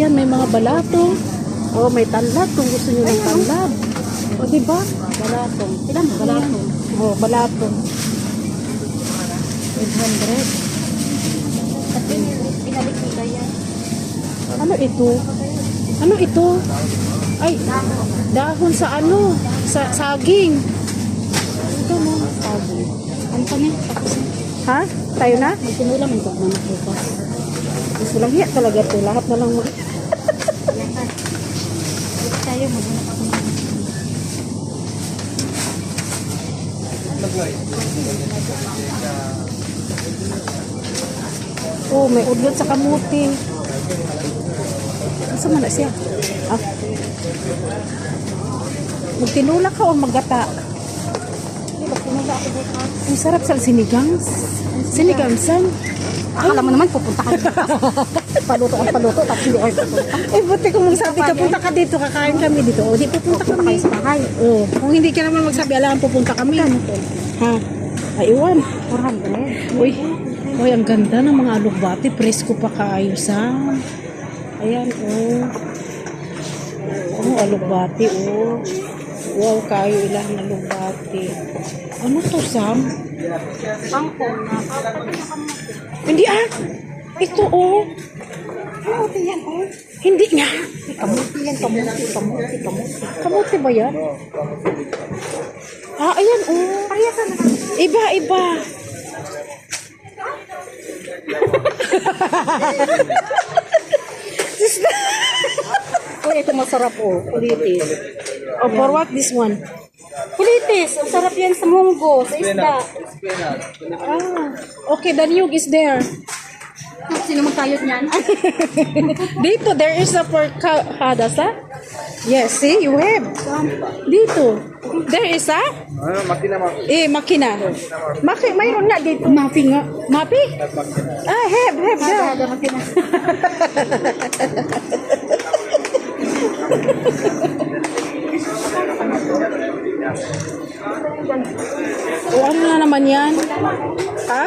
Ayan, may mga balato. Oh, may tanlad kung gusto niyo ng tanlad. O, diba? Balatong. Ilan? Balatong. Oh, balatong. 800. Pinalik nila yan. Ano ito? Ano ito? Ay, dahon sa ano? Sa saging. Ito mo, saging. Ano pa niya? Tapos na. Ha? Tayo na? Magsinulam ang pagmanak bukas. Mas walang hiya talaga ito. Lahat na lang mo. Tayo, magmanak ako. Oh, may udlot sa kamuti. Asa man na siya? Ah. Magtinula ka o maggata? Hindi, magsinula ako bukas. Ang sarap sa sinigang. Sinigang san? Akala mo naman, pupunta ka dito. Paluto ang paluto, tapos hindi kayo pupunta. Eh, buti kung magsabi ka, punta ka dito, kakain kami dito. O, di pupunta kami. Kayo sa bahay. Oh, kung hindi ka naman magsabi, alam, pupunta kami. Ha? Ay, iwan. 400. Uy, uy, ang ganda ng mga alugbati. Presko pa kaayos, ha? Ayan, oh. Oh, alugbati, oh. Wow, kayo ilang alugbati. Ano to, Sam? Bangkong na. Hindi, ah. Ito, oh. Kamuti yan, oh. Hindi nga. Kamuti yan, kamuti. Kamuti ba yan? Ah, ayan, oh. Parehas na. Iba, iba. Uy, ito masarap, oh. Kulitis. Oh, for what this one? Kulitis. Ang sarap yan sa munggo, sa isda. Ah, okay, the niyog is there. Sino magkayot niyan? Dito, there is a hadas, ha? Yes, see, you have. Dito. There is a? Makina. Mayroon nga dito. Mapi nga. Mapi? Ah, have. Ada makina. O, ano na naman yan? Ha?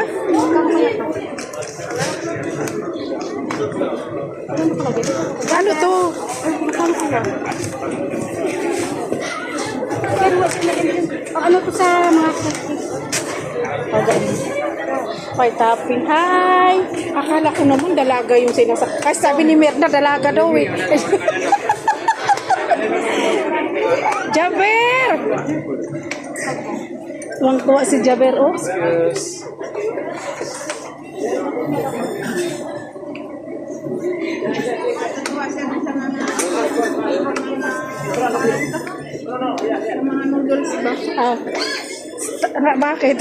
Ano to? Ano to sa mga May topping. Hi! Akala ko naman dalaga yung kasi sabi ni Mirna dalaga daw eh. Jaber! Tuwang-tuwa si Jaber, oh. mga noodles ba? Bakit?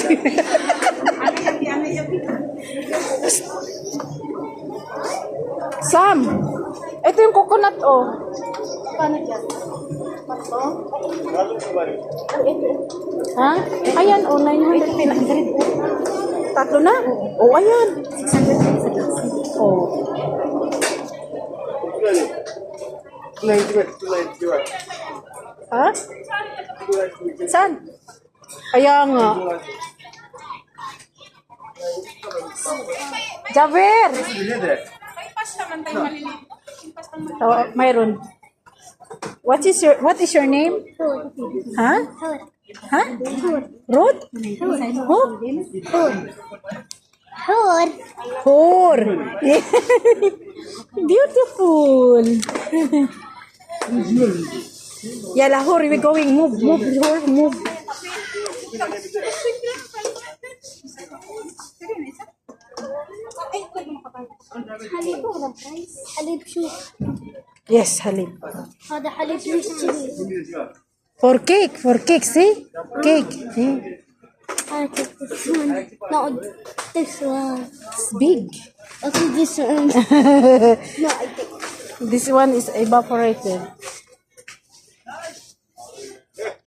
Sam! Ito yung coconut, oh. Paano dyan? Pato? Ha? Ayan, oh, 900. Tatlo na? Oh, ayan. 600 Oh. Ha? Saan? Kaya nga. Jaber! Oh, mayroon. What is your name? Ha? Ha? Ruth? Who? Hor. Beautiful. Yala, Hor, we're going. Move, Hor, move. حليب ولا برايس؟ حليب شو؟ Yes, halib. هذا حليب ليش كذي؟ For cake, see? Cake. See? I take this one. No, this one. It's big. Okay, this one. No, I take. This one is evaporated.